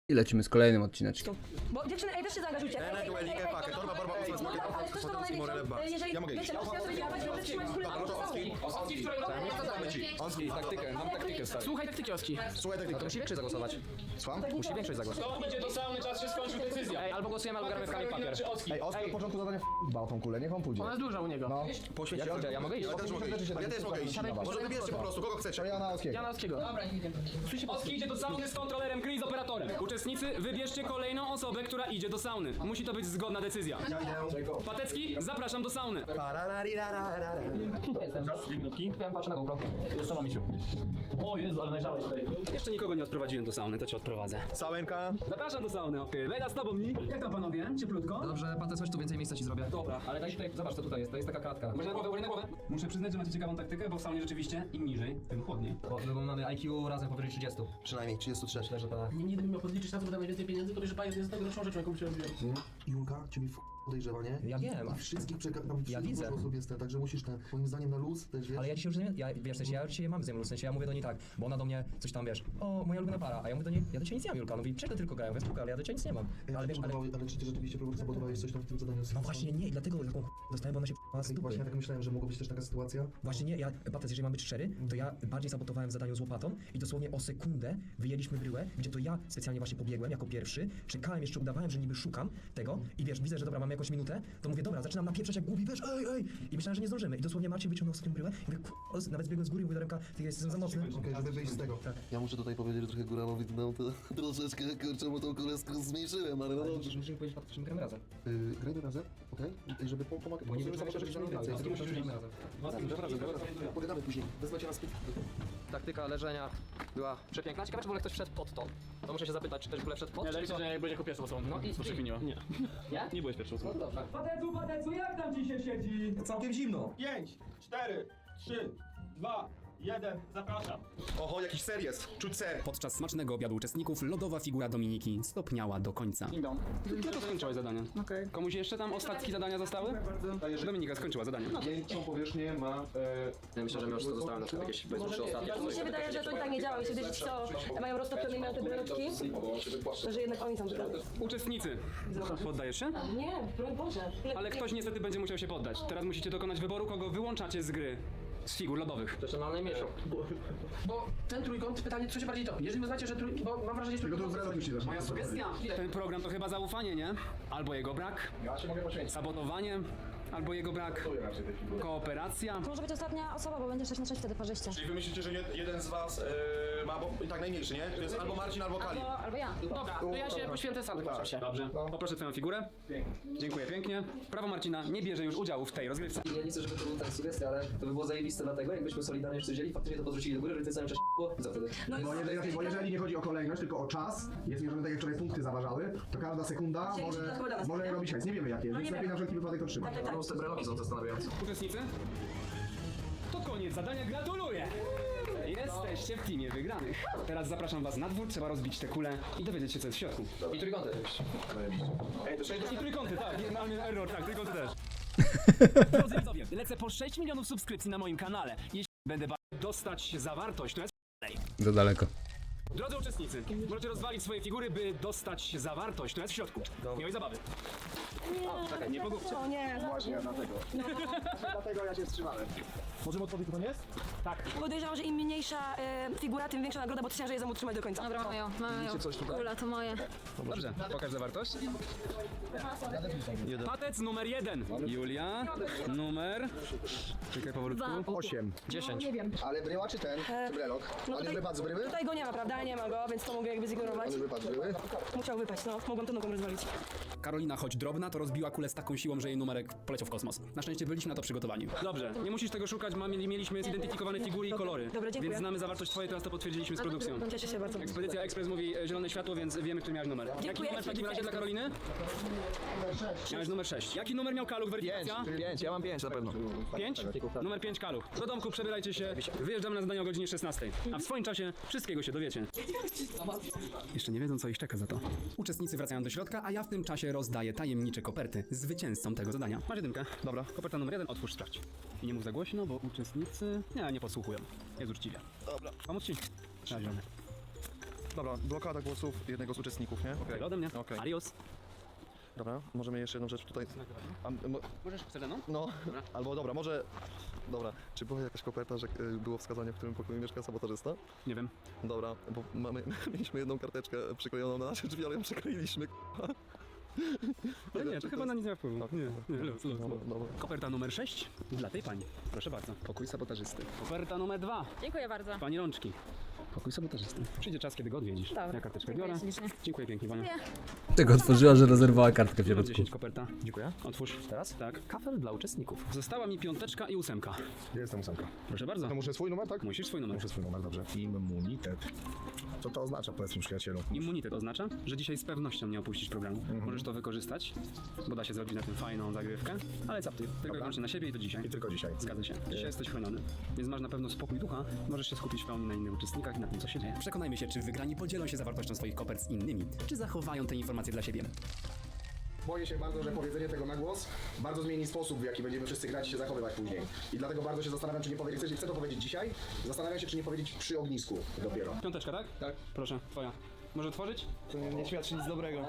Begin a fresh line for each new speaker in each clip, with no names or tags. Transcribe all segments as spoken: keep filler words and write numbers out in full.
I lecimy z kolejnym odcineczkiem.
Bo dziewczyny, ej, też się zaangażujcie. Ej, ej, ej, ej, ej,
torba, barba,
ej, no, ale ktoś to ma największą, jeżeli,
Ja mogę iść.
wiecie, możecie na sobie działać, żeby trzymać kulę na
Oski, Oski, Oski,
Taktykę, mam taktykę stary.
Słuchaj taktyki Oski.
słuchaj, tak,
To musi większość zagłosować.
Słucham?
Musi większość zagłosować.
To idzie do sauny, czas się skończył, decyzja.
Ej, albo głosujemy, albo gramy w kamień papier.
Czy Oski?
Ej, Oski od początku zadania f***bał tą kulę, niech on pójdzie.
Ona jest duża u niego.
No,
Ja, ja, ja mogę iść?
ja też mogę iść. Ja też mogę iść. Może wybierzcie po prostu, kogo chcecie. Ja na Oskiego.
Jana Oskiego. Dobra, nie wiem.
Oski idzie do sauny z kontrolerem gry i z operatorem. Uczestnicy, wybierzcie kolejną osobę, która idzie do sauny. Musi to być zgodna decyzja. Patecki, zapraszam do sauny.
Ja patrzę na GoPro.
Zostało mi się. O Jezu, ale najrzałeś tutaj.
Jeszcze nikogo nie odprowadziłem do sauny, to cię odprowadzę.
Całenka.
Zapraszam do sauny, okej. Lejda z tobą, mi. Jak tam panowie? Cieplutko?
Dobrze, Patec, chodź tu, więcej miejsca ci zrobię.
Dobra.
Ale daj tutaj, zobacz co tutaj jest, to jest taka kratka.
Może na głowę, może na głowę. Muszę przyznać, że macie ciekawą taktykę, bo w saunie rzeczywiście im niżej, tym chłodniej.
Bo, bo mamy I Q razem powyżej trzydziestu.
Przynajmniej trzydzieści trzy.
Myślę, że to...
Nie, nie gdybym miał podliczyć na to, bo dam najwięcej pieniędzy, to wiesz, że bajer jest najgorszą rzeczą, jaką się robiłem.
Julka, cię mi f*** podejrzewa, nie?
Ja wiem.
I wszystkich przeka... Tam
Ja widzę.
dużo osób jest, także musisz ten, moim zdaniem na luz też, wiesz?
Ale ja dzisiaj już nie, ja, wiesz, w sensie, ja dzisiaj mam z nią luz, w sensie ja mówię do niej tak, bo ona do mnie coś tam, wiesz, o, moja ulubiona para, a ja mówię do niej, ja do ciebie nic nie mam, Julka, ona mówi, czego tylko grają, spoko, ale ja do ciebie nic nie mam.
Ej,
Ale wiesz, ale...
ale... ale czy ty rzeczywiście próbowałeś, sabotowałeś coś tam w tym zadaniu?
No właśnie nie, i dlatego taką ch- dostałem, bo ona się p***ała z
Ej, to właśnie ja
dupy.
tak myślałem, że mogła być też taka sytuacja.
Właśnie nie, ja, Patec, jeżeli mam być szczery, to ja bardziej sabotowałem w zadaniu z łopatą i dosłownie o sekundę wyjęliśmy bryłę, gdzie to ja specjalnie właśnie pobiegłem jako pierwszy, czekałem jeszcze, udawałem, że niby szukam tego i wiesz, widzę, że dobra, mamy jakąś minutę, to mówię, dobra, zaczynam napieprzać jak głupi, wiesz, ej, ej, i myślałem, że nie zdążymy i dosłownie Marcin wyciągnął z tym bryłę i mówię, k***, nawet zbiegłem z góry i mówię do Remka, ty jestem za mocny.
Okej, żeby wyjść z tego.
Tak.
Ja muszę tutaj powiedzieć, że trochę góralowi dał to troszeczkę, kurczę, bo tą kulę sk- zmniejszyłem, ale no
Ale
dobrze.
musimy powiedzieć, Patec, że my gramy razem.
Yy, grajmy razem, okej? I żeby po- pomagać.
Bo nie
żeby
wiem,
zobaczyć,
że
że
nie
więcej.
gramy
Wtedy musimy
razem.
Pogadamy później. Wezmę cię na spyt.
Taktyka leżenia była przepiękna. Ciekawe, czy w ogóle ktoś wszedł pod to. To muszę się zapytać, czy ktoś w ogóle wszedł pod?
Nie, liczę, że jak będzie jako pierwszą osobą.
No i-
to przekminiła. Nie.
Nie?
Nie byłeś pierwszą osobą.
No dobrze.
Patecu, patecu, jak tam ci się siedzi?
Całkiem zimno.
pięć, cztery, trzy, dwa, jeden, zapraszam.
Oho, jakiś ser jest. Czuć ser.
Podczas smacznego obiadu uczestników lodowa figura Dominiki stopniała do końca. Kiedy to skończyłaś zadanie?
Okej.
Komuś jeszcze tam ostatki zadania zostały? Dominika skończyła zadanie.
Miękką powierzchnię ma...
Ja myślę, że my już to zostałem na przykład jakieś bezduszne ostatnie.
Mi się wydaje, że to i tak nie działa, jeśli wiesz co, mają roztopione i mają te bryleczki, to że jednak oni są wygrani.
Uczestnicy, poddajesz się?
Nie, broń Boże.
Ale ktoś niestety będzie musiał się poddać. Teraz musicie dokonać wyboru, kogo wyłączacie z gry. Z figur lodowych.
To jeszcze mam najmniejszą.
Bo ten trójkąt, pytanie, co się bardziej topi? Jeżeli uznacie, że trój... bo mam wrażenie, że trójkąt...
Moja sugestia. Ten program to chyba zaufanie, nie? Albo jego brak. Sabotowanie. Albo jego brak. Kooperacja.
To może być ostatnia osoba, bo będzie sześć na sześć wtedy parzyście.
Czyli wy myślicie, że nie, jeden z was yy, ma, bo i tak najmniejszy, nie? To jest albo Marcin, albo Kali.
Albo, albo ja.
Dobra, to ja się poświęcę sam, proszę się.
Dobrze. Poproszę twoją figurę. Dziękuję pięknie. Prawo Marcina nie bierze już udziału w tej rozgrywce.
Ja nie chcę, żeby to była tak sugestia, ale to by było zajebiste dlatego, jakbyśmy solidarnie wszyscy wzięli, faktycznie to podrzucili do góry, że w tym samym czasie było, co wtedy?
Bo jeżeli, bo jeżeli nie chodzi o kolejność, tylko o czas, jest mierzone tak jak wczoraj punkty zaważały, to każda sekunda
Dzień
może,
dobry, dobra.
może robić hajs. Nie wiemy jakie, więc
nie
lepiej
wiem.
na wszelki wypadek to trzymać.
Tak, tak,
No, te breloki są zastanawiające.
Uczestnicy? To koniec zadania, gratuluję! Jesteście w teamie wygranych. Teraz zapraszam was na dwór, trzeba rozbić tę kulę i dowiedzieć się co jest w środku.
I trójkąty.
I trójkąty, tak, nie, mamy error, tak, trójkąty też. Drodzy widzowie, lecę po sześć milionów subskrypcji na moim kanale. Jeśli będę ba- dostać zawartość, to jest
Za daleko.
Drodzy uczestnicy, możecie rozwalić swoje figury, by dostać zawartość, to jest w środku. Miłej zabawy.
Nie, nie pogubcie. O nie.
Dlatego ja się wstrzymałem. Możemy odpowiedzieć, kto to jest?
Podejrzewam, że im mniejsza e, figura, tym większa nagroda, bo to ciężej jest ją utrzymać do końca.
Dobra, mamy ją, mamy ją. Kula, to moje.
Dobrze, pokaż zawartość. Patec numer jeden. Julia, numer... Czekaj powolutku.
osiem.
dziesięć.
Ale bryła czy ten? Czy brelok?
No
On już wypadł z bryły?
Tutaj go nie ma, prawda? Nie ma go, więc to mogę jakby zignorować.
On już wypadł z bryły?
Musiał wypaść, no. Mogłam to nogą rozwalić.
Karolina, choć drobna, to rozbiła kulę z taką siłą, że jej numerek poleciał w kosmos. Na szczęście byliśmy na to przygotowani. Dobrze, nie musisz tego szukać, mamy, mieliśmy zidentyfikowane figury i kolory.
Dobra, dziękuję.
Więc znamy zawartość twojej, teraz to potwierdziliśmy z produkcją.
Cieszę się bardzo.
Ekspedycja Express mówi e, zielone światło, więc wiemy, który miałeś numer. Jaki
Dziękuję.
numer w takim razie dla Karoliny? Miałeś numer sześć. Jaki numer miał Kaluch? Weryfikacja?
pięć, ja mam pięć na pewno.
pięć? Numer pięć Kaluch. Do domku przebierajcie się, wyjeżdżamy na zadanie o godzinie szesnastej. A w swoim czasie wszystkiego się dowiecie. Jeszcze nie wiedzą, co ich czeka za to. Uczestnicy wracają do środka, a ja w tym czasie rozdaję tajemnicze koperty zwycięzcom tego zadania. Masz jedynkę. Dobra, koperta numer jeden, otwórz, sprawdź. I nie mów za głośno, bo uczestnicy... Nie, nie posłuchują. Jest uczciwie. Dobra. Pomóc ci? Zielony.
Dobra, blokada głosów jednego z uczestników, nie? Okej.
Tyle ode mnie.
Okej.
Adios.
Dobra, możemy jeszcze jedną rzecz tutaj... A, mo,
Możesz chcesz ze mną?
no,
Dobra.
albo dobra, może... Dobra, czy była jakaś koperta, że y, było wskazanie, w którym pokoju mieszka sabotażysta?
Nie wiem.
Dobra, bo mamy, mieliśmy jedną karteczkę przyklejoną na nasze drzwi, ale ją przykleiliśmy, k***a.
Ale nie,
czy
to chyba na nic nie ma wpływu.
Okej,
Nie,
dobra.
nie, luz, luz,
Dobra,
luz.
dobra.
Koperta numer sześć dla tej pani. Proszę bardzo. Pokój sabotażysty. Koperta numer dwa.
Dziękuję bardzo.
Pani rączki. Pokój sabotażysty. Przyjdzie czas, kiedy go odwiedzisz.
Dobra.
Ja karteczkę
Dziękuję
biorę.
ślicznie.
Dziękuję pięknie, Wania.
Tego otworzyła, że rezerwowała kartkę w
Numer
środku.
dziesięć koperta.
Dziękuję.
Otwórz.
Teraz?
Tak. Kafel dla uczestników. Została mi piąteczka i ósemka.
Gdzie jest ta ósemka?
Proszę bardzo.
To muszę swój numer, tak?
Musisz swój numer.
Muszę swój numer, dobrze. Immunitet. Co to oznacza, powiedz mi, przyjacielu?
Immunitet oznacza, że dzisiaj z pewnością nie opuścisz programu. Możesz to wykorzystać, bo da się zrobić na tym fajną zagrywkę, ale co ty? Tylko i wyłącznie na siebie i to dzisiaj.
I tylko dzisiaj.
Zgadza się. Dzisiaj jesteś chroniony, więc masz na pewno spokój ducha, możesz się skupić w pełni na innych uczestnikach i na tym, co się dzieje. Przekonajmy się, czy wygrani podzielą się zawartością swoich kopert z innymi, czy zachowają te informacje dla siebie.
Boję się bardzo, że powiedzenie tego na głos bardzo zmieni sposób, w jaki będziemy wszyscy grać i się zachowywać później. I dlatego bardzo się zastanawiam, czy nie powiedzieć, chcę, chcę to powiedzieć dzisiaj, zastanawiam się, czy nie powiedzieć przy ognisku dopiero.
Piąteczka, tak? Tak. Proszę, twoja. Może otworzyć?
To nie świadczy nic dobrego.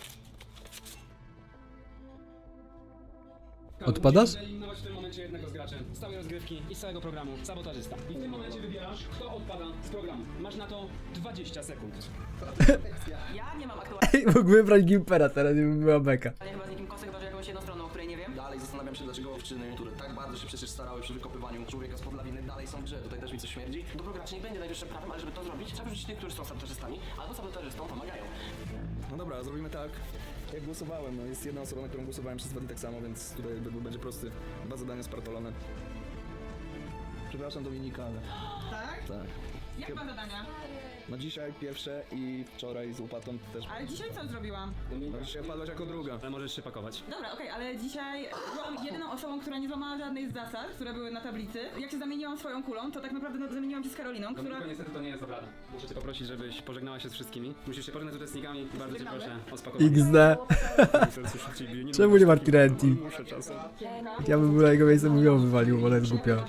Odpadasz?
Musisz wyeliminować w tym momencie jednego z graczy z całej rozgrywki i z całego programu, sabotażysta. I w tym momencie wybierasz, kto odpada z programu. Masz na to dwadzieścia sekund.
Ja nie mam aktualnie
Ej, mógł wybrać Gimpera, teraz nie by była beka.
chyba z nikim kosek, chyba że jakąś jedną stroną, o której nie wiem.
Dalej zastanawiam się, dlaczego dziewczyny, które tak bardzo się przecież starały przy wykopywaniu człowieka z podlawiny, dalej są w grze. Tutaj też mi coś śmierdzi.
Dobro graczy nie będzie najwyższym prawem, ale żeby to zrobić, trzeba wrzucić tych, którzy są sabotażystami, albo sabotażystom pomagają.
No dobra, zrobimy tak. Jak głosowałem, no jest jedna osoba, na którą głosowałem przez dwa dni tak samo, więc tutaj jakby będzie prosty. Dwa zadania spartolone. Przepraszam Dominika, ale...
Tak?
Tak.
Jak ma zadania?
No dzisiaj pierwsze i wczoraj z łopatą też.
Ale dzisiaj co zrobiłam?
No dzisiaj padłaś jako druga.
Ale możesz się pakować.
Dobra, okej, ale dzisiaj byłam jedyną osobą, która nie złamała żadnej z zasad, które były na tablicy. Jak się zamieniłam swoją kulą, to tak naprawdę no, zamieniłam się z Karoliną, która...
Dominiko, niestety to nie jest dobra. Muszę cię poprosić, żebyś pożegnała się z wszystkimi. Musisz się pożegnać z uczestnikami i bardzo cię proszę o spakowanie.
iks de. Czemu nie ma Tirenti?
Muszę czasem.
Ja bym był na jego miejscu, bym ją wywalił, bo ona jest głupia.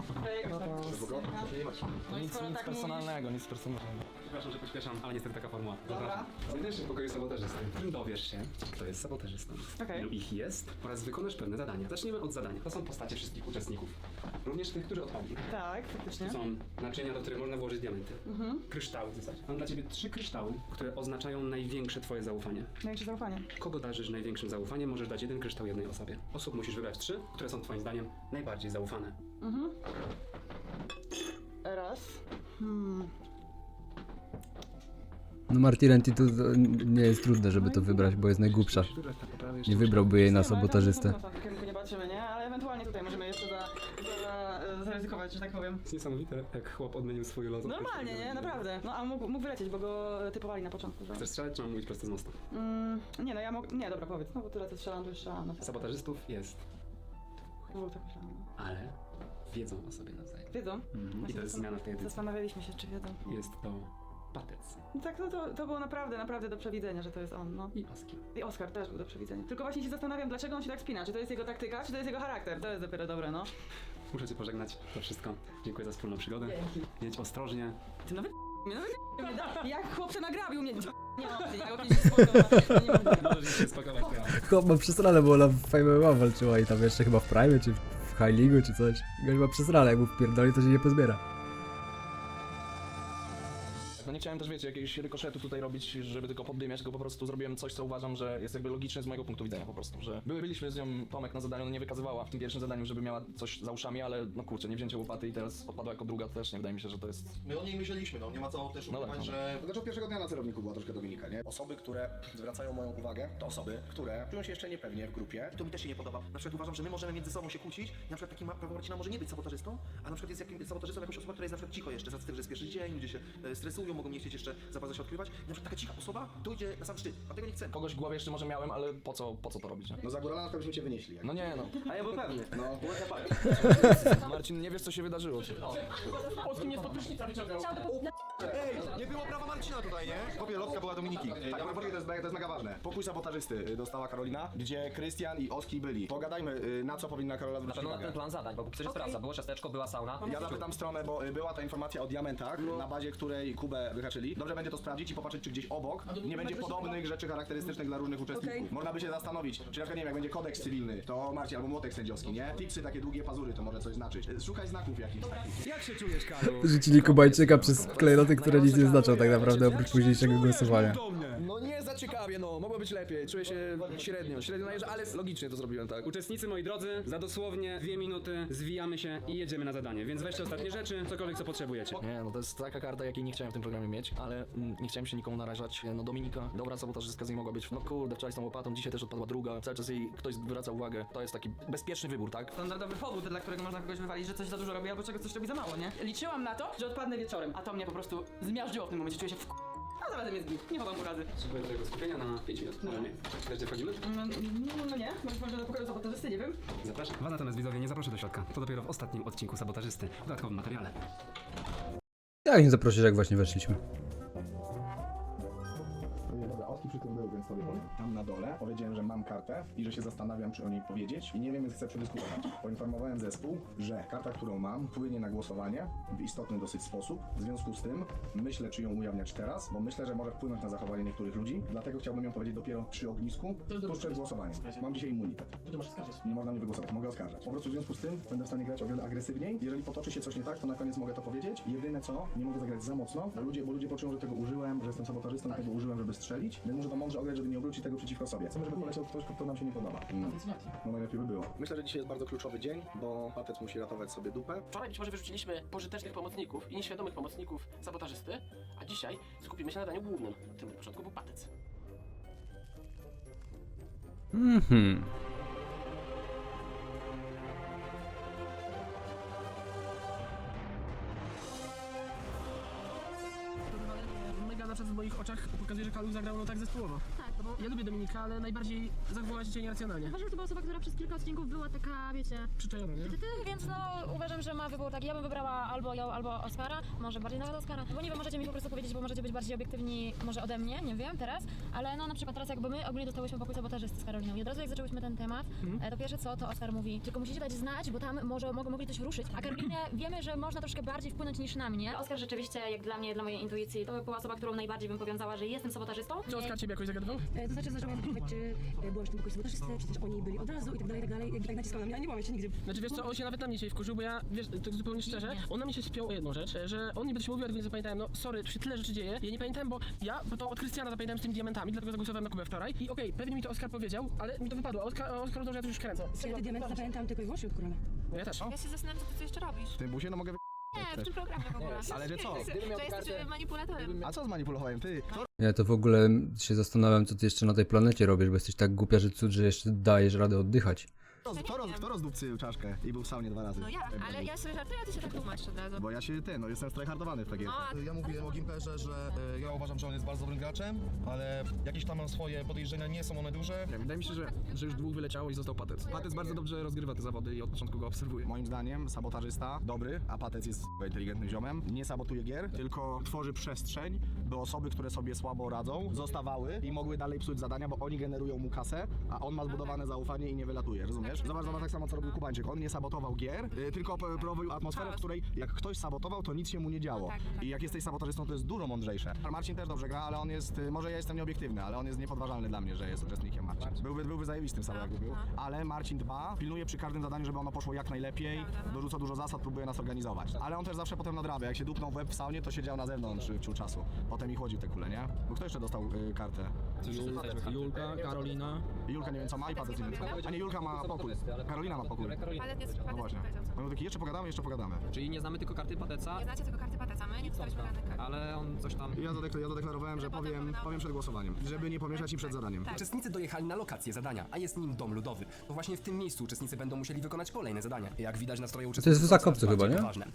No i skoro tak mówisz...
nic personalnego.
Przepraszam, że pośpieszam, ale niestety taka formuła.
Dobra.
Znajdziesz się w pokoju sabotażysty. Dowiesz się, kto jest sabotażystą,
Okej.
ilu ich jest oraz wykonasz pewne zadania. Zacznijmy od zadania. To są postacie wszystkich uczestników. Również tych, którzy odpadli.
Tak, faktycznie.
To są naczynia, do których można włożyć diamenty. Kryształy w zasadzie. Mam dla ciebie trzy kryształy, które oznaczają największe twoje zaufanie.
Największe zaufanie.
Kogo darzysz największym zaufaniem, możesz dać jeden kryształ jednej osobie. Osób musisz wybrać trzy, które są twoim zdaniem najbardziej zaufane.
Raz. Hmm.
No Martirenti to to nie jest trudne, żeby to wybrać, bo jest najgłupsza.
Musisz wybrać tak naprawdę jeszcze
Nie wybrałby jej na sabotażystę.
W tym kierunku nie patrzymy, nie? Ale ewentualnie tutaj możemy jeszcze za, za, za, zaryzykować, że tak powiem.
jest niesamowite, jak chłop odmienił swój los.
Normalnie, nie? Naprawdę. No a mógł, mógł wylecieć, bo go typowali na początku, że...
Chcesz strzelać, czy mam mówić prosto z mostu?
Mm, nie, no ja mogę... Nie, dobra, powiedz. No bo tyle co strzelam, to już strzelam. No,
Sabotażystów jest,
no, tak myślałam. no.
ale wiedzą o sobie nawzajem.
Wiedzą?
I to jest zmiana w tej edycji.
Zastanawialiśmy się, czy wiedzą.
Jest to Patec
No tak, no to, to było naprawdę, naprawdę do przewidzenia, że to jest on, no.
i Oski.
I Oskar też był do przewidzenia. Tylko właśnie się zastanawiam, dlaczego on się tak spina. Czy to jest jego taktyka, czy to jest jego charakter? To jest dopiero dobre, no.
Muszę cię pożegnać, to wszystko. Dziękuję za wspólną przygodę. Jedź ostrożnie.
Ty nawet mnie, nawet mnie da. Jak chłopcze nagrabił mnie. Nie mam opcji, jak opcji się spoko, no, nie mam.
Możesz się spakować teraz.
Chłop ma przesrane, bo ona w Fame M M A walczyła i tam jeszcze chyba w Prime czy w High League czy coś. Gość ma przesrane, jak mu wpierdoli, to się nie pozbiera.
No nie chciałem też, wiecie, jakiegoś rykoszetu tutaj robić, żeby tylko poddymiać, tylko po prostu zrobiłem coś, co uważam, że jest jakby logiczne z mojego punktu widzenia po prostu, że były, byliśmy z nią, Tomek na zadaniu, no nie wykazywała w tym pierwszym zadaniu, żeby miała coś za uszami, ale no kurczę, nie wzięcie łopaty i teraz odpadła jako druga, to też nie wydaje mi się, że to jest...
My o niej myśleliśmy, no nie ma co też
No
ukrywać,
tak, no.
że... Dlaczego pierwszego dnia na celowniku była troszkę Dominika, nie? Osoby, które zwracają moją uwagę, to osoby, które czują się jeszcze niepewnie w grupie.
To mi też się nie podoba. Na przykład uważam, że my możemy między sobą się kłócić, na przykład taki Paweł Marcina może nie być sabotażystą, a na przykład jest jakim sabotażystą jakąś osobą, która jest na przykład cicho jeszcze, z tym, że jest pierwszy dzień, ludzie się e, stresują, mogą nie chcieć jeszcze za bardzo się odkrywać. I na przykład taka cicha osoba dojdzie na sam szczyt, a tego nie chcę. Kogoś w głowie jeszcze może miałem, ale po co, po co to robić, nie?
No za górala to byśmy cię wynieśli. Jak...
No nie no.
A ja był pewny.
No.
Marcin, nie wiesz co się wydarzyło.
Polski mnie spod prysznica wyciągał.
Ej, nie było prawa Marcina tutaj, nie? Kopie lotka była Dominiki. Tak, naprawdę to jest, to jest mega ważne. Pokój sabotażysty y, dostała Karolina, gdzie Krystian i Oski byli. Pogadajmy, y, na co powinna Karola zwrócić uwagę.
plan zadań, bo przecież sprawdza, było ciasteczko, była sauna.
Ja zapytam stronę, bo y, była ta informacja o diamentach, na bazie której Kubę wyhaczyli. Dobrze będzie to sprawdzić i popatrzeć, czy gdzieś obok nie będzie podobnych rzeczy charakterystycznych dla różnych uczestników.
Okej.
Można by się zastanowić, czy na przykład, nie wiem, jak będzie kodeks cywilny, to Marcin, albo młotek sędziowski, nie? Tipsy, takie długie pazury, to może coś znaczyć. Szukaj znaków jakichś takich.
Jak się czujesz, Kalu?
Rzucili Kubańczyka przez klejnoty, które nic nie znaczą tak naprawdę oprócz późniejszego głosowania.
No nie za ciekawie, no, mogło być lepiej, czuję się średnio, średnio najeżdża, ale logicznie to zrobiłem, tak.
Uczestnicy, moi drodzy, za dosłownie dwie minuty zwijamy się i jedziemy na zadanie, więc weźcie ostatnie rzeczy, cokolwiek co potrzebujecie.
Nie, no to jest taka karta, jakiej nie chciałem w tym programie mieć, ale mm, nie chciałem się nikomu narażać. No Dominika, dobra sabotażystka z niej mogła być, no kurde, wczoraj z tą łopatą, dzisiaj też odpadła druga, cały czas jej ktoś zwraca uwagę. To jest taki bezpieczny wybór, tak?
Standardowy powód, dla którego można kogoś wywalić, że coś za dużo robi albo czego coś robi za mało, nie? Liczyłam na to, że odpadnę wieczorem, a to mnie po prostu zmiażdżyło w tym momencie, czuję się w a zarazem jest git, nie chowam urazy.
Spróbuję tego skupienia na pięć minut, może nie. Też gdzie wchodzimy?
No, no, no nie, może może do pokoju sabotażysty, nie wiem.
Zapraszam. Was natomiast widzowie nie zaproszę do środka. To dopiero w ostatnim odcinku Sabotażysty, w dodatkowym materiale.
Jak nie zaprosić, jak właśnie weszliśmy?
Dobra, Oski przy tym był, więc sobie powiem. Tam na dole powiedziałem, że mam kartę i że się zastanawiam, czy o niej powiedzieć i nie wiem, więc chcę przedyskutować. Poinformowałem zespół, że karta, którą mam, wpłynie na głosowanie w istotny dosyć sposób. W związku z tym myślę, czy ją ujawniać teraz, bo myślę, że może wpłynąć na zachowanie niektórych ludzi. Dlatego chciałbym ją powiedzieć dopiero przy ognisku, tuż przed głosowaniem. Mam dzisiaj immunitet. Nie można mnie wygłosować, mogę oskarżać. Po prostu w związku z tym będę w stanie grać o wiele agresywniej. Jeżeli potoczy się coś nie tak, to na koniec mogę to powiedzieć. Jedyne co, nie mogę zagrać za mocno, bo ludzie, bo ludzie poczują, że tego użyłem, że jestem sabotażystą, tego użyłem, żeby strzelić. Więc muszę to mądrze ograć, żeby nie obrócić tego przeciwko sobie. Chcemy, żeby poleciał ktoś, kto nam się nie podoba. Mm. No najlepiej by było. Myślę, że dzisiaj jest bardzo kluczowy dzień, bo Patec musi ratować sobie dupę.
Wczoraj być może wyrzuciliśmy pożytecznych pomocników i nieświadomych pomocników sabotażysty, a dzisiaj skupimy się na daniu głównym. Tym na początku był patec.
Mhm.
Mega na przykład w moich oczach pokazuje, że Kalu zagrał no tak zespołowo.
Tak,
Bo ja lubię Dominika, ale najbardziej zachowała się dzisiaj nieracjonalnie.
uważam, że to była osoba, która przez kilka odcinków była taka, wiecie...
Przyczajona, nie?
Ty, ty, więc no uważam, że ma wybór taki, ja bym wybrała albo ją, albo Oskara, może bardziej nawet Oskara, bo nie wiem, możecie mi po prostu powiedzieć, bo możecie być bardziej obiektywni może ode mnie, nie wiem, teraz, ale no na przykład teraz jakby my ogólnie dostałyśmy pokój sabotażysty z Karoliną i od razu jak zaczęłyśmy ten temat,
Mhm.
to pierwsze co, to Oskar mówi, tylko musicie dać znać, bo tam może mogą mogli coś ruszyć, a Karolinie wiemy, że można troszkę bardziej wpłynąć niż na mnie. Oskar rzeczywiście, jak dla mnie, dla mojej intuicji, to była osoba, którą najbardziej bym powiązała, że jestem sabotażystą.
Czy Oskar ciebie jakoś zagadywał?
To znaczy zaczęłam pytać, czy e, byłaś w tym pokoju sabotażysty, czy też oni byli od razu i tak dalej, i tak dalej. I tak naciskał na mnie, a nie byłam jeszcze nigdy.
Znaczy wiesz co, on się nawet na mnie dzisiaj wkurzył, bo ja, wiesz, tak zupełnie szczerze, on na mnie się spiął o jedną rzecz, że on niby coś mówił, ale nie zapamiętałem, no sorry, tu się tyle rzeczy dzieje, ja nie pamiętałem, bo ja bo to od Krystiana zapamiętałem z tymi diamentami, dlatego zagłosowałem na Kubę wczoraj i okej, pewnie mi to Oskar powiedział, ale mi to wypadło, a Oskar, a Oskar to, że ja to już kręcę.
Ja te diamenty zapamiętam tylko i wyłącznie od Korala.
No ja też.
Ja się zastanawiam, co ty tu jeszcze robisz.
W tym busie no mogę
Nie, w tym programie w ogóle.
Ale że co?
Że jesteś manipulatorem.
A co zmanipulowałem? Ty? Kto
Ja to w ogóle się zastanawiam, co ty jeszcze na tej planecie robisz, bo jesteś tak głupia, że cud, że jeszcze dajesz radę oddychać.
roz, kto, roz, kto rozdupcył czaszkę i był w saunie dwa razy?
No ja, ale ja sobie żartuję, a ty się tak tłumaczysz od razu.
Bo ja się, ten, no jestem tryhardowany w takiej.
No,
Ja mówię o Gimperze, że y, ja uważam, że on jest bardzo dobrym graczem, ale jakieś tam mam swoje podejrzenia, nie są one duże.
Nie, wydaje mi się, że, że już dwóch wyleciało i został Patec. Patec bardzo dobrze rozgrywa te zawody i od początku go obserwuję.
Moim zdaniem sabotażysta dobry, a Patec jest inteligentnym ziomem, nie sabotuje gier, tylko tworzy przestrzeń, by osoby, które sobie słabo radzą, zostawały i mogły dalej psuć zadania, bo oni generują mu kasę, a on ma zbudowane zaufanie i nie wylatuje, rozumiesz? Zobacz, zobacz tak samo co robił Kubańczyk, on nie sabotował gier, y, tylko p- prowadził atmosferę, w której jak ktoś sabotował, to nic się mu nie działo. I jak jesteś sabotażystą, to jest dużo mądrzejsze. Marcin też dobrze gra, ale on jest, y, może ja jestem nieobiektywny, ale on jest niepodważalny dla mnie, że jest uczestnikiem Marcin. Byłby, byłby zajebistym sam jakby był, ale Marcin dba, pilnuje przy każdym zadaniu, żeby ono poszło jak najlepiej, dorzuca dużo zasad, próbuje nas organizować. Ale on też zawsze potem nadrabia, jak się dupnął w łeb w saunie, to siedział na zewnątrz y, ciu czasu. Potem i chłodził te kule, nie? Bo kto jeszcze dostał y, kartę?
Julka, Karolina.
Julka nie wiem co ma i Patec nie wiem co ma. A nie, Julka ma pokój. Karolina ma pokój. No właśnie. No taki jeszcze pogadamy, jeszcze pogadamy.
Czyli nie znamy tylko karty Pateca,
Nie znacie tylko karty Pateca, my nie dostaliśmy żadnych kart.
ale on coś tam...
Ja, zadekl- ja zadeklarowałem, że powiem, powiem przed głosowaniem, żeby nie pomieszać i przed zadaniem.
Uczestnicy dojechali na lokację zadania, a jest nim dom ludowy. To właśnie w tym miejscu uczestnicy będą musieli wykonać kolejne zadania. Jak widać, nastroje uczestników
jest w
są
Zakopcu
coraz
chyba,
bardziej
nie?
poważne.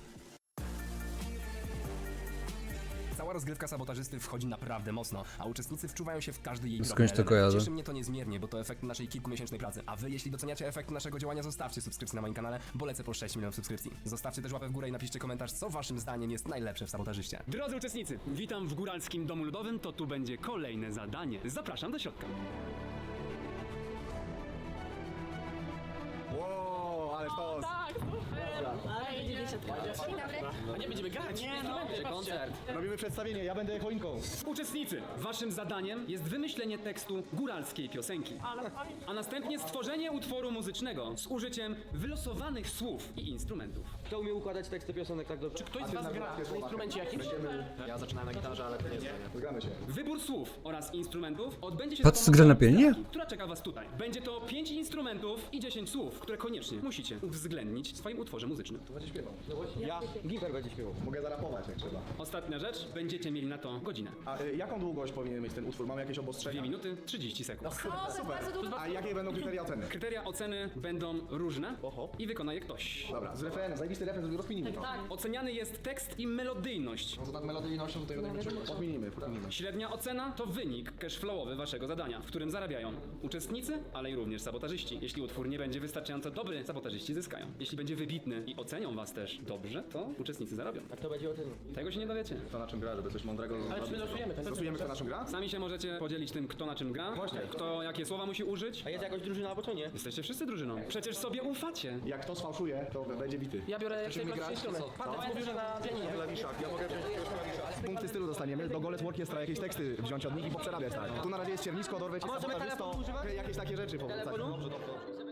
Cała rozgrywka sabotażysty wchodzi naprawdę mocno, a uczestnicy wczuwają się w każdy jej
Skądś
drobny
to
element.
kojarzę.
Cieszy mnie to niezmiernie, bo to efekt naszej kilkumiesięcznej pracy. A wy, jeśli doceniacie efekt naszego działania, zostawcie subskrypcję na moim kanale, bo lecę po sześć milionów subskrypcji. Zostawcie też łapę w górę i napiszcie komentarz, co waszym zdaniem jest najlepsze w sabotażyście. Drodzy uczestnicy, witam w Góralskim Domu Ludowym, to tu będzie kolejne zadanie. Zapraszam do środka.
Wow, ale to...
Tak,
A nie będziemy grać. Nie, no, koncert.
Robimy przedstawienie, ja będę choinką.
Uczestnicy, waszym zadaniem jest wymyślenie tekstu góralskiej piosenki, a następnie stworzenie utworu muzycznego z użyciem wylosowanych słów i instrumentów.
Kto umie układać teksty piosenek tak dobrze?
Czy ktoś z was gra na instrumencie jakimś?
Ja zaczynałem na gitarze, ale to nie jest.
Zgramy się.
Wybór słów oraz instrumentów odbędzie się
Patrz,
za
gra na
pomocą
pianinie?
stawki, która czeka was tutaj. Będzie to pięć instrumentów i dziesięć słów, które koniecznie musicie uwzględnić w swoim utworze muzycznym.
Będzie śpiewał.
Ja, Gimper będzie śpiewał.
Mogę zarapować jak trzeba.
Ostatnia rzecz, będziecie mieli na to godzinę.
A y, jaką długość powinien mieć ten utwór? Mamy jakieś
dwie
obostrzenia?
minuty, trzydzieści sekund.
A jakie będą kryteria oceny?
Kryteria oceny będą różne
Oho.
i wykona je ktoś.
Dobra, z refrenem, zajebisty refren, rozkminimy to.
Oceniany jest tekst i melodyjność.
No to nad melodyjnością tutaj podminimy, podminimy.
Średnia ocena to wynik cashflowowy waszego zadania, w którym zarabiają uczestnicy, ale i również sabotażyści. Jeśli utwór nie będzie wystarczająco dobry, sabotażyści zyskają. Jeśli będzie wybitny i ocenią was też dobrze, to uczestnicy zarobią.
A kto będzie o tym?
Tego się nie dowiecie.
To na czym gra, żeby coś mądrego
Ale czy my losujemy ten?
Losujemy kto na czym gra?
Sami się możecie podzielić tym, kto na czym gra,
Właśnie.
kto jakie słowa musi użyć.
A jest jakaś drużyna albo co nie?
Jesteście wszyscy drużyną. Przecież sobie ufacie.
Jak kto sfałszuje, to będzie bity.
Ja biorę najprostszy instrument. Patryk mówił, że na pianinie.
Klawiszach, ja mogę wziąć klawiszach. Punkty stylu dostaniemy, do Golec Orkiestra jakieś teksty wziąć od nich i poprzerabiać tak. Tu na razie jest ciernisko, dorwę cię sabotażysto, jakieś takie rzeczy powrócać. Dobrze, dobrze.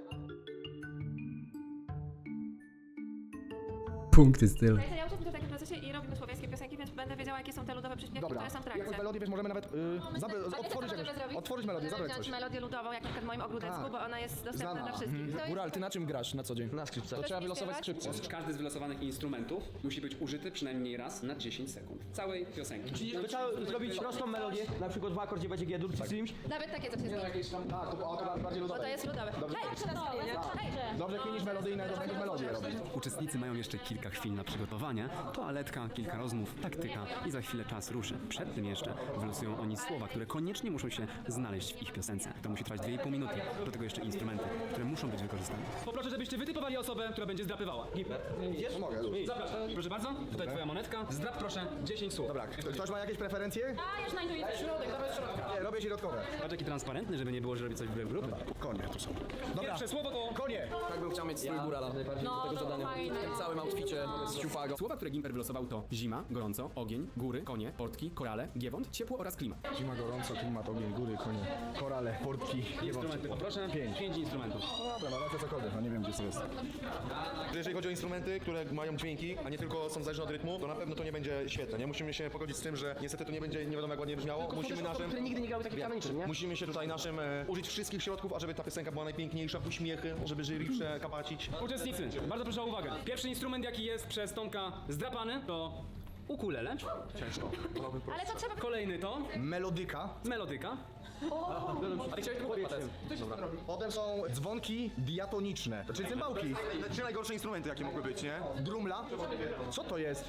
Punkty stylu.
Ja uczestniczę w takim procesie i robimy słowiańskie piosenki, więc będę wiedziała, jakie są te ludowe przyśpiewki,
Dobra,
które są w
jakąś
trakcie.
melodię, wiesz, możemy nawet y, zabe- otworzyć, jakoś, otworzyć melodię, zabrać coś.
melodię ludową, jak na przykład w moim ogródecku,
Tak.
bo ona jest dostępna
Znana.
dla wszystkich. To jest-
Góral, ty na czym grasz na co dzień?
Na skrzypcach.
To trzeba wylosować skrzypce.
Każdy z wylosowanych instrumentów musi być użyty przynajmniej raz na dziesięć sekund. Całej piosenki.
Czyli trzeba zrobić prostą melodię, na przykład w akordzie będzie G-dur czy czymś.
Nawet takie coś jest.
Tak, to, o, to bardziej
Bo to
ludowe.
jest ludowe. Hej, czy nas Hej!
Dobrze kminisz melodyjne, to będziesz melodię robić.
Uczestnicy mają jeszcze kilka chwil na przygotowanie, toaletka, kilka rozmów, taktyka i za chwilę czas ruszy. Przed tym jeszcze wylosują oni słowa, które koniecznie muszą się znaleźć w ich piosence. To musi trwać dwie i pół minuty. Do tego jeszcze instrumenty, które muszą być wykorzystane. Poproszę, żebyście wytypowali osobę, która będzie zdrapywała.
No mogę, już.
Zapraszam. Proszę bardzo, tutaj twoja monetka. Zdrap proszę dziesięć słów.
Dobra, ktoś ma jakieś preferencje?
A, już na intuicję. Środek, dawaj środka.
Nie, robię środkowe.
Patrz jaki transparentny, żeby nie było, że robi coś wbrew grupy.
Konie tu są. Dobra,
Pierwsze słowo to
konie.
Tak bym chciał mieć strój górala.
No, to fajne.
W całym outficie z siupago.
Słowa, które Gimper wylosował to zima, gorąco, ogień, góry, konie, portki, korale, giewont, ciepło oraz klimat.
Zima, gorąco, klimat, ogień, góry, konie, korale, portki,
Instrumenty poproszę.
Pięć.
Pięć instrumentów.
Dobra, no lecę cokolwiek, no nie wiem gdzie to jest.
Jeżeli chodzi o instrumenty, które mają dźwięki, a nie tylko są zależne od rytmu, to na pewno to nie będzie świetne. Nie musimy się pogodzić z tym, że niestety to nie będzie nie wiadomo jak ładnie brzmiało. Musimy naszym
Które nigdy nie grały takich mechanicznych, nie?
Musimy się tutaj naszym e, użyć wszystkich środków, ażeby ta piosenka była najpiękniejsza, uśmiechy, żeby jury przekapacić.
Uczestnicy, bardzo proszę o uwagę. Pierwszy instrument, jaki jest przez Tomka zdrapany, to ukulele.
Ciężko.
Ale to trzeba...
Kolejny to
Melodyka.
melodyka.
A ty chciałeś tu powiedzieć.
Potem są dzwonki diatoniczne, czyli cymbałki.
Trzy najgorsze instrumenty, jakie mogły być, nie?
Drumla. Co to jest?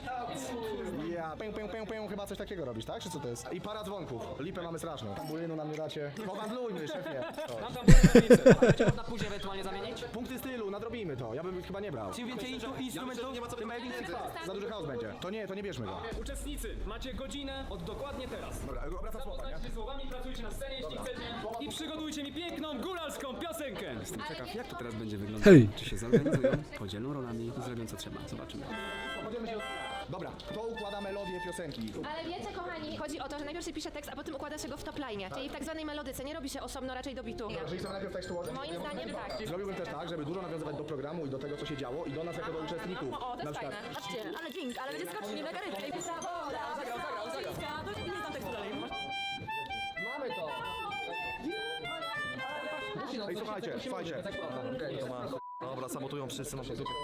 Ja. Pę, pę, pę, pę, chyba coś takiego robisz, tak? Czy co to jest? I para dzwonków. Lipę mamy straszną. Tambulinu nam nie dacie. Pohandlujmy, szefie. O.
Tam tam było
Można później ewentualnie zamienić?
Punkty stylu, nadrobimy to. Ja bym chyba nie brał.
Czym więcej instru- instrumentów,
nie ma co
tym bardziej
Za duży chaos będzie. To nie, to nie bierzmy go.
Uczestnicy, macie godzinę od dokładnie teraz.
Dobra, obracam słowa, nie?
Zapoznajcie się słowami, pracujcie na scenie, jeśli chcecie. I przygotujcie mi piękną góralską piosenkę. Jestem ciekaw, jak to teraz będzie wyglądać.
Hej!
Czy się zorganizują, podzielą rolami i zrobią co trzeba. Zobaczymy.
Dobra, kto układa melodię piosenki?
Ale wiecie, kochani, chodzi o to, że najpierw się pisze tekst, a potem układa się go w top line, czyli w tak zwanej melodyce. Nie robi się osobno, raczej do bitu.
Jeżeli chcemy najpierw tekst ułożyć,
Moim zdaniem tak.
zrobiłbym też tak, żeby dużo nawiązywać do programu i do tego, co się działo i do nas jako do uczestników.
O, to
Na
jest
przykład,
fajne. Patrzcie, ale dźwięk, ale będzie skocznie, mega rybka. I zagrał, zagrał, zagrał, zagrał. Nie znam tekstu dalej.
Mamy to.
Ej, słuchajcie, słuchajcie. To ma... Dobra, sabotują wszyscy nasze dupy.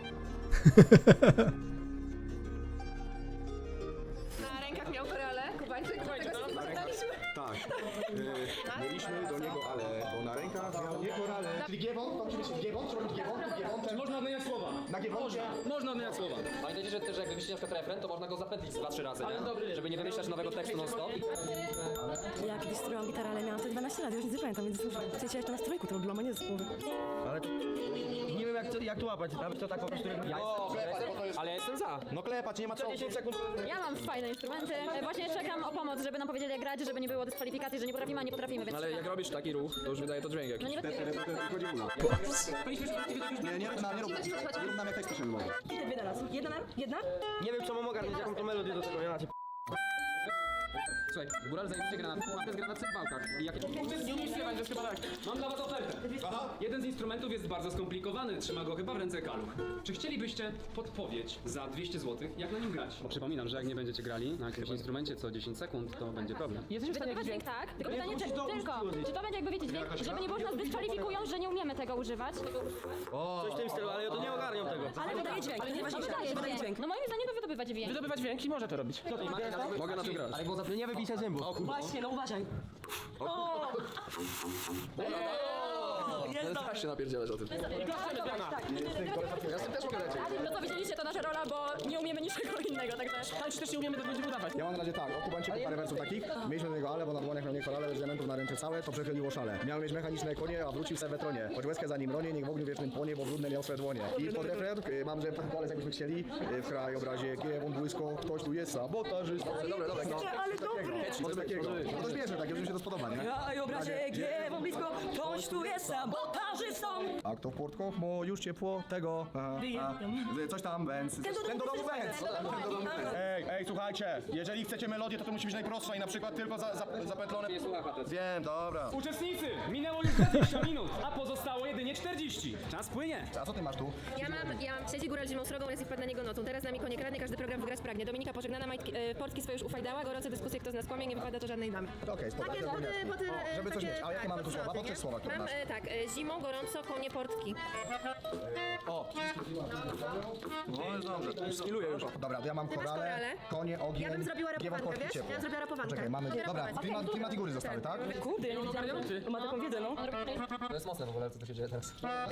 Na rękach miał korale, Kubańczyk, dlatego się spotkaliśmy.
tak. Yy, mieliśmy do niego ale, bo na rękach miał nie korale. Czyli giewont, to musi być giewont, czy robić giewont, giewont,
Można odmieniać słowa.
na giewoncie.
Można odmieniać słowa.
Pamiętajcie, że też jak wymyślicie na przykład refren, to można go zapętlić dwa, trzy razy, nie? Żeby nie wymyślać nowego tekstu non stop.
Ja kiedyś strojłam gitarę, ale miałam wtedy dwanaście lat, już nic nie pamiętam, więc w sensie jeszcze na strojku to robiłam, a nie z głowy.
Nie wiem jak to, jak to łapać, nawet to tak po prostu...
O, bo to jest
Ale ja jestem za.
No klepać, nie ma co.
dziesięć sekund.
Ja mam fajne instrumenty. E, Właśnie czekam o pomoc, żeby nam powiedzieli jak grać, żeby nie było dyskwalifikacji, że nie potrafimy, a nie potrafimy, więc
Ale jak
czekam.
robisz taki ruch, to już wydaje to dźwięk jakiś.
No nie rozumiem.
Nie, nie rób nam, nie rób, nie rób nam jak tekst może.
Idę dwie na raz. Jedna na? Jedna?
Nie wiem, czemu mogę mieć jaką to melodię do tego, ja macie. Słuchaj, góral zajebiście gra na mapę z gra na cymbałkach. I jakie...
Nie umiesz śpiewać, to jest chyba tak. Mam dla was ofertę. Jeden z instrumentów jest bardzo skomplikowany, trzyma go chyba w ręce Kaluch. Czy chcielibyście podpowiedź za dwieście złotych, jak na nim grać? Bo przypominam, że jak nie będziecie grali na jakimś instrumencie co dziesięć sekund, to będzie problem.
Jesteśmy w stanie
Wydobywać
jakiś
dźwięk, tak? Tylko pytanie, czy, tylko, czy to będzie jakby wiecie dźwięk, żeby nie było, że nas dyskwalifikują, że nie umiemy tego używać.
Coś w tym stylu, ale ja to nie ogarniam tego.
Ale wydaje dźwięk, to jest najważniejsze.
wydaje
Wydaje
dźwięk.
dźwięk.
No moim zdaniem to wydobywać dźwięk.
wydobywać dźwięk i może to robić.
Mogę na tym grać. Ale bo nie wybijcie zębów.
Właśnie, no uważaj. O! Jest
Tak się napierdzielać o tym.
Ja z tym też mogę lecieć. No to widzieliście, to nasza rola, bo nie umiemy niczego innego, także...
Ale też nie umiemy, to będziemy udawać.
Ja mam na razie tak, o Kubańczyku parę wersów takich. Mieliśmy do niego ale, bo na dłoniach miał nie korale, z elementów na ręce całe, to przechyliło szale. Miał mieć mechaniczne konie, a wrócił se we tronie. Choć łezkę za nim ronie, niech w ogniu wiecznym płonie, bo brudne miał swe dłonie. I pod refren, y, mam, że taki polec jakbyśmy chcieli, y, w krajobrazie kiewą błysko, ktoś tu jest sabotażysta. Dobra, dobra, no.
Ale dobry!
Coś takiego. No to śmieszne takie, że mi się to spodoba, nie?
A i obrazie giewą blisko, ktoś tu jest sabotażystą.
A kto w portko? Bo już ciepło tego. A, a, coś tam, więc. Ten do domu węc! Ej, ej, słuchajcie, jeżeli chcecie melodię, to to musi być najprostsza i na przykład tylko za, za, zapetlone.
Nie słucha facet.
Wiem, dobra.
Uczestnicy! Minęło już dwadzieścia minut, a pozostało jedynie czterdzieści. Czas płynie.
A co ty masz tu?
Ja mam, ja mam trzeci góral zimą srogą, raz i wpadł na niego nocą. Teraz z nami konie kradnie, każdy program wygrać pragnie. Dominika pożegnana, majtki, e, portki swoje już ufajdała, gorące dyskusje, kto z nas kłamie, nie wypada to żadnej damy.
Okej, spoko.
Takie poty, poty, e,
Żeby coś
takie-
mieć. A jakie
tak,
mamy tu słowa?
podsłowy,
Podkreśl
nie?
słowa, które
Mam
masz.
e, tak, e, zimą, gorąco, konie, portki.
O,
No jest dobrze.
Skiluję już.
dobra, to ja mam
Ty masz
korale,
korale?
konie, ogień,
Ja bym zrobiła
giewą,
rapowankę,
portki,
wiesz?
ciepło.
Ja bym zrobiła rapowankę.
Czekaj, mamy,
Zrobię
dobra,
rapowankę.
klimat, klimat i góry zostały, tak?
Kurde, ja nie wiedziałam. On ma taką wiedzę, no.
To jest mocne w ogóle, co tu się dzieje teraz.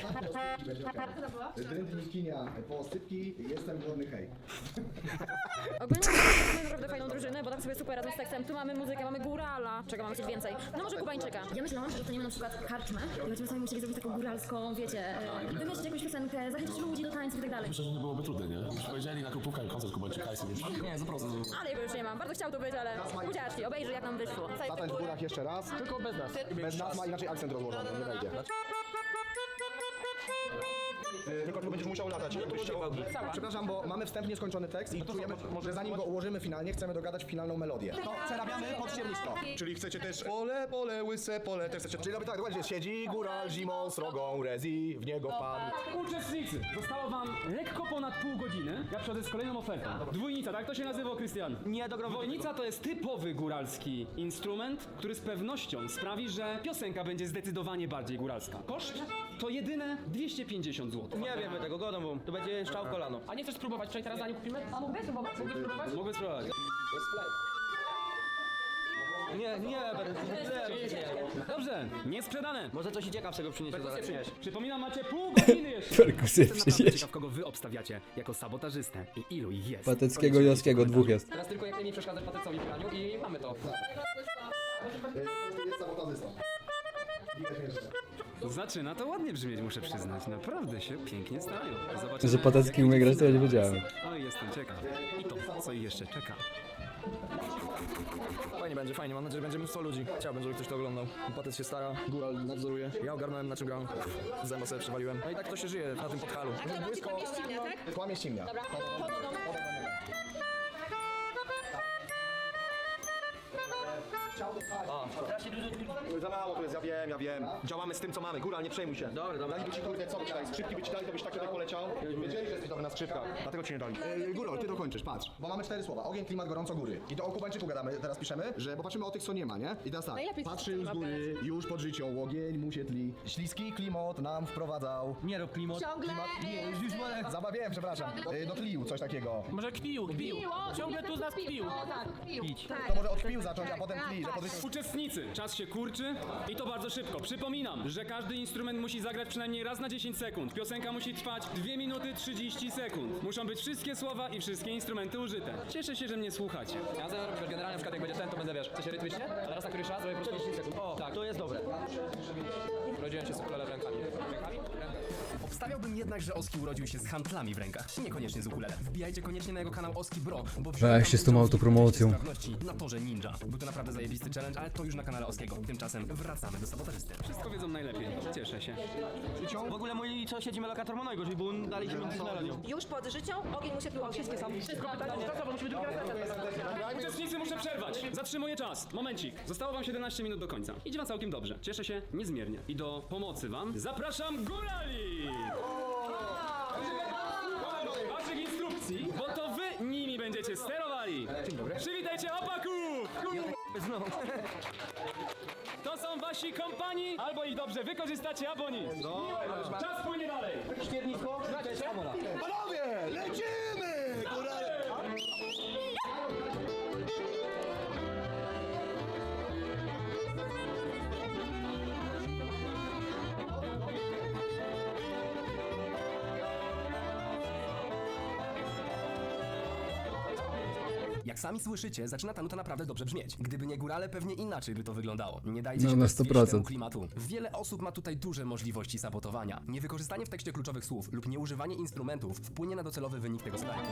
Drętni kinia, posypki, jestem głodny, hej.
Ogólnie mamy naprawdę fajną drużynę, bo tak sobie super razem z tekstem. Tu mamy muzykę, mamy górala. Czego mamy coś więcej? No może Kubańczyka. Ja myślałam, że dostaniemy na przykład karczmę i będziemy sobie musieli zrobić taką góralską, wiecie, e, wymyślić jakąś piosenkę, zachęcić ludzi do tańców i tak dalej.
Myślę, że nie byłoby trudne, nie? Już powiedzieli na kupówkę koncert Kubańczyka i sobie nie, za prosto.
Ale jego już nie mam. Bardzo chciał tu być, ale ucieczki, obejrzy jak nam wyszło.
Zatańcz w górach jeszcze raz.
Tylko bez nas.
Bez nas ma inaczej akcent rozłożony, nie wejdzie. Tylko tu będziesz musiał latać. jakbyś chciał. Przepraszam, bo mamy wstępnie skończony tekst i czujemy, że zanim go ułożymy finalnie, chcemy dogadać finalną melodię. To przerabiamy pod ściernisko. Czyli chcecie też pole, pole, łyse pole, też chcecie... Czyli robię tak, dokładnie, siedzi góral zimą, srogą, rezi, w niego pan.
Uczestnicy, zostało wam lekko ponad pół godziny. Ja przychodzę z kolejną ofertą. Dwójnica, tak to się nazywa, Krystian?
Nie, do grobu.
Dwójnica to jest typowy góralski instrument, który z pewnością sprawi, że piosenka będzie zdecydowanie bardziej góralska. Koszt to jedyne dwieście pięćdziesiąt złotych.
Nie wiemy tego, godą mu. To będzie szczał w kolano.
A nie chcesz spróbować, przecież teraz zanim kupimy? A mógłbyś spróbować? Mógłbyś spróbować?
Mogę spróbować.
Nie, nie, nie.
Dobrze, nie sprzedane.
Może coś ciekawszego przyniesie zaraz. Przynieś.
Przypominam, macie pół godziny jeszcze.
Perkusję
Jestem naprawdę
przynieść.
ciekaw, kogo wy obstawiacie jako sabotażystę i ilu ich jest.
Pateckiego i Joskiego, dwóch jest.
Teraz tylko jak najmniej przeszkadzać patecowi w graniu i mamy to.
Jest sabotażysta.
Zaczyna to ładnie brzmieć, muszę przyznać. Naprawdę się pięknie stają. Zobaczymy.
Że Patecki umie grać, to ja nie wiedziałem.
Oj, jestem ciekaw. I to, co ich jeszcze czeka.
Fajnie będzie, fajnie. Mam nadzieję, że będzie mnóstwo ludzi. Chciałbym, żeby ktoś to oglądał. Patec się stara, góral nadzoruje. Ja ogarnąłem, na czym gram. Zęba sobie przywaliłem. No i tak to się żyje na tym podhalu.
A kto ci kłamie ściemnia, tak?
Kłamie ściemnia.
Dobra, to do domu.
Za mało to jest, ja wiem, ja wiem. Działamy z tym, co mamy. Góral, nie przejmuj się.
Dobra, dobra.
Dali ci kurde, co by ci dali? Skrzypki by ci dali, to byś tak tutaj poleciał. Wiedzieli, że jesteś dobry na skrzypkach. Dlatego ci nie dali. Yy, Góral, ty dokończysz, patrz. Bo mamy cztery słowa. Ogień, klimat, gorąco, góry. I to o Kubańczyku gadamy, teraz piszemy, że bo patrzymy o tych, co nie ma, nie? I teraz tak.
Najlepiej
Patrzył z góry, już pod życią, ogień mu się tli. Śliski klimat nam wprowadzał.
Nie rób klimat.
Ciągle.
Zabawiłem, przepraszam. Yy, dotlił, coś takiego.
Może kpił, kpił. Ciągle tu z nas kpił.
O tak, pił.
To może od kpił zacząć, a potem tli, że pod życią...
Uczestnicy, czas się kurczy i to bardzo szybko. Przypominam, że każdy instrument musi zagrać przynajmniej raz na dziesięć sekund. Piosenka musi trwać dwie minuty trzydzieści sekund. Muszą być wszystkie słowa i wszystkie instrumenty użyte. Cieszę się, że mnie słuchacie.
Ja zaraz robię generalnie, na przykład jak będzie ten, to będę, wiesz, w sensie rytmicznie, ale raz na któryś raz zrobię po prostu dziesięć sekund. O, tak, to jest dobre. Rodziłem się z ukulele w rękami. Rękami? Rękami.
Obstawiałbym jednak, że Oski urodził się z handlami w rękach, niekoniecznie z ukulele. Wbijajcie koniecznie na jego kanał Oski Bro, bo
Weź się z tą autopromocją.
sprawności na torze ninja. Był to naprawdę zajebisty challenge, ale to już na kanale Oskiego. Tymczasem wracamy do sabotażysty. Wszystko wiedzą najlepiej. Cieszę się.
W ogóle mój sąsiedzi lokator Monojgo, żeby był dalej się między melodią.
Już pod życią, ogień mu się tu wszystkie są. Wszystko
Uczestnicy, muszę przerwać. Zatrzymuję czas. Momencik. Zostało wam siedemnaście minut do końca. Idzie wam całkiem dobrze. Cieszę się niezmiernie. I do pomocy wam zapraszam górali! Waszych instrukcji, bo to wy nimi będziecie sterowali. Dzień dobry. Przywitajcie opaków! To są wasi kompani, albo ich dobrze wykorzystacie, albo nic. Czas płynie dalej.
Śmiernisko, znacie się?
Panowie, lecimy! Górale!
Jak sami słyszycie, zaczyna ta nuta naprawdę dobrze brzmieć. Gdyby nie górale, pewnie inaczej by to wyglądało. Nie dajcie
No,
się
na
też
sto
zwieść
procent.
temu klimatu. Wiele osób ma tutaj duże możliwości sabotowania. Niewykorzystanie w tekście kluczowych słów lub nieużywanie instrumentów wpłynie na docelowy wynik tego strajku.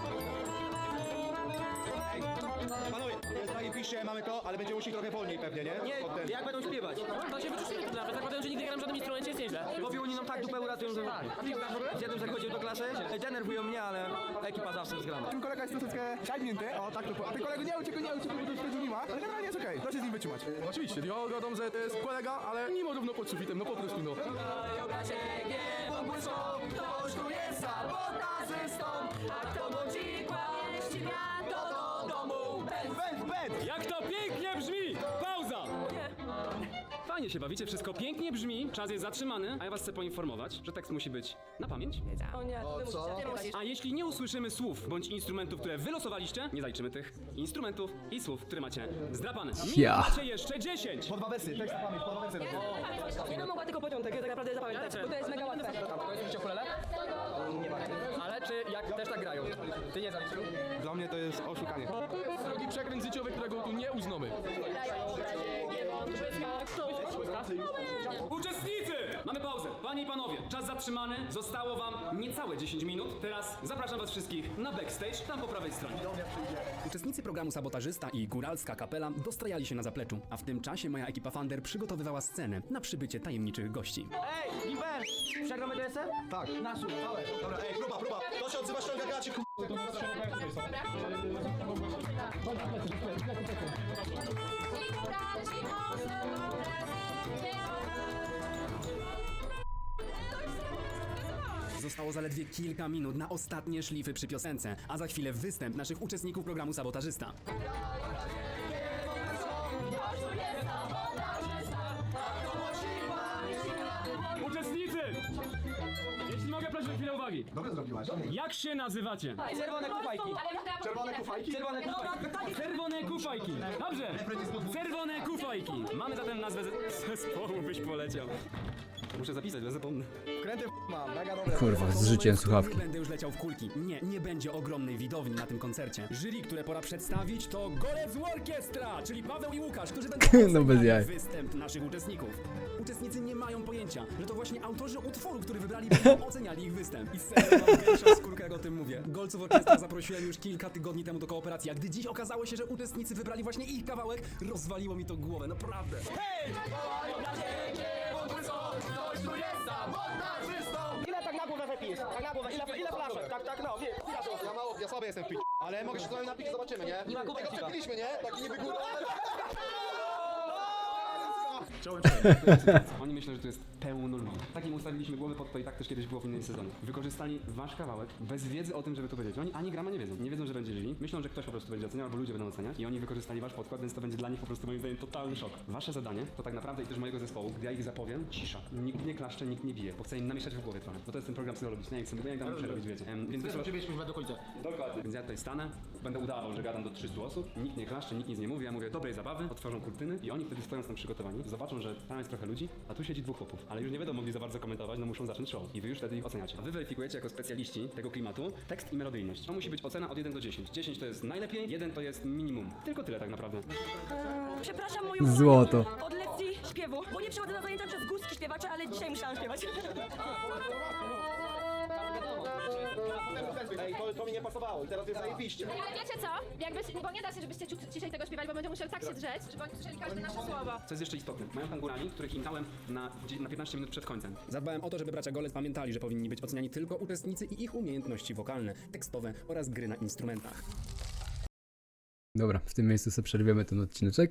Panowie, pisze, mamy to, ale będzie musi trochę wolniej pewnie, nie?
Nie, jak będą śpiewać?
To się wyczuczymy to nawet, zakładam, że nigdy nie gram w żadnym instrumencie, jest nieźle.
Bo oni nam tak dupę uratują, że... Z jednym zachodził do klasy, denerwują mnie, ale ekipa zawsze zgrana.
Ten kolega jest troszeczkę ciągnięty, o tak to. A ten kolega nie uciekł, nie uciekł, bo to już nie ma, ale generalnie jest okej, proszę z nim wytrzymać.
Oczywiście, ja gadam, że to jest kolega, ale nie ma równo pod sufitem, no po prostu no.
Jak to pięknie brzmi! Pauza! Fajnie się bawicie, wszystko pięknie brzmi, czas jest zatrzymany, a ja was chcę poinformować, że tekst musi być na pamięć.
O nie, ty musisz, ty musisz.
A jeśli nie usłyszymy słów bądź instrumentów, które wylosowaliście, nie zaliczymy tych instrumentów i słów, które macie zdrapane.
Ja.
Macie jeszcze dziesięć!
Po dwa wersy, tekst na pamięć, po dwa wersy.
Ja bym mogła tylko początek, tak naprawdę zapamiętać, bo to jest mega łatwe.
Ale czy jak też tak grają? Ty nie zaliczył?
Dla mnie to jest oszukanie. Drogi przekręt życiowy, którego tu nie uznamy.
Uczestnicy! Mamy pauzę. Panie i panowie, czas zatrzymany. Zostało wam niecałe dziesięć minut. Teraz zapraszam was wszystkich na backstage, tam po prawej stronie. Uczestnicy programu Sabotażysta i Góralska Kapela dostrajali się na zapleczu, a w tym czasie moja ekipa Fander przygotowywała scenę na przybycie tajemniczych gości.
Ej, Gimper! Przegramy to jeszcze?
Tak.
Nasz.
Dobra, ej, próba, próba. To się odzywa, ściąga gaci, k***.
Zostało zaledwie kilka minut na ostatnie szlify przy piosence, a za chwilę występ naszych uczestników programu Sabotażysta. Uczestnicy! Jeśli mogę prosić o chwilę uwagi.
Dobrze zrobiłaś.
Jak się nazywacie?
Czerwone kufajki.
Czerwone kufajki?
Czerwone kufajki.
Czerwone kufajki. Dobrze. Czerwone kufajki. Mamy zatem nazwę ze- zespołu, byś poleciał. Muszę zapisać, bo zapomnę.
Kręty mam, mega dobre.
Kurwa, z życiem słuchawki.
Nie będę już leciał w kulki. Nie, nie będzie ogromnej widowni na tym koncercie. Jury, które pora przedstawić, to Golec Orkiestra, czyli Paweł i Łukasz, którzy będą
No bez jaj.
występ naszych uczestników. Uczestnicy nie mają pojęcia, że to właśnie autorzy utworu, który wybrali, będą oceniali ich występ. I serio mam większą skórkę, jak o tym mówię. Golców Orkiestra zaprosiłem już kilka tygodni temu do kooperacji, a gdy dziś okazało się, że uczestnicy wybrali właśnie ich kawałek, rozwaliło mi to głowę, naprawdę.
Ile tak na głowę wypijesz? Tak na głowę, ile, ile flaszek? Tak, tak, no, wie, ile
Ja mało, ja słaby jestem w pić, ale mogę się z wami napić, zobaczymy, nie?
Nie ma kubek
Tego
piwa.
przepiliśmy, nie? Taki niby góra.
Oni myślą, że to jest pełno ludzi. Takim ustawiliśmy głowy pod to i tak też kiedyś było w innym sezonie. Wykorzystali wasz kawałek bez wiedzy o tym, żeby to powiedzieć. Oni ani grama nie wiedzą. Nie wiedzą, że będzie źli. Myślą, że ktoś po prostu będzie oceniał, albo ludzie będą oceniać. I oni wykorzystali wasz podkład, więc to będzie dla nich po prostu moim zdaniem totalny szok. Wasze zadanie to tak naprawdę i też mojego zespołu, gdy ja ich zapowiem, cisza. Nikt nie klaszcze, nikt nie bije, bo chcę im namieszać w głowie trochę. Bo to jest ten program psychologiczny, ja chcę, bo ja tam muszę robić, wiecie. Em, więc wiesz,
Żebyśmy do końca.
dokładnie. Więc ja tutaj stanę, będę udawał, że gadam do trzystu osób, nikt nie klaszcze, nikt nic nie mówi, ja mówię dobrej zabawy, otworzą kurtyny i oni wtedy stojąc tam przygotowani, zobaczą, że tam jest trochę ludzi, a tu siedzi dwóch chłopów, ale już nie będą mogli za bardzo komentować, no muszą zacząć show i wy już wtedy ich oceniacie. A wy weryfikujecie jako specjaliści tego klimatu tekst i melodyjność. To musi być ocena od jeden do dziesięciu. dziesięć to jest najlepiej, jeden to jest minimum. Tylko tyle tak naprawdę.
Przepraszam moją
Złoto.
od lekcji śpiewu, bo nie przychodzę na zajęcia przez górski śpiewacze, ale dzisiaj musiałam śpiewać.
Ej, to, to mi nie pasowało i teraz jest zajebiście.
Ale wiecie co? Jakby, bo nie da się, żebyście ciut ciszej tego śpiewali, bo będzie musiał tak się drzeć, żeby oni słyszeli każde nasze słowo.
Co jest jeszcze istotne, mają tam górali, których im dałem na, na piętnaście minut przed końcem. Zadbałem o to, żeby bracia Golec pamiętali, że powinni być oceniani tylko uczestnicy i ich umiejętności wokalne, tekstowe oraz gry na instrumentach.
Dobra, w tym miejscu sobie przerwiemy ten odcineczek.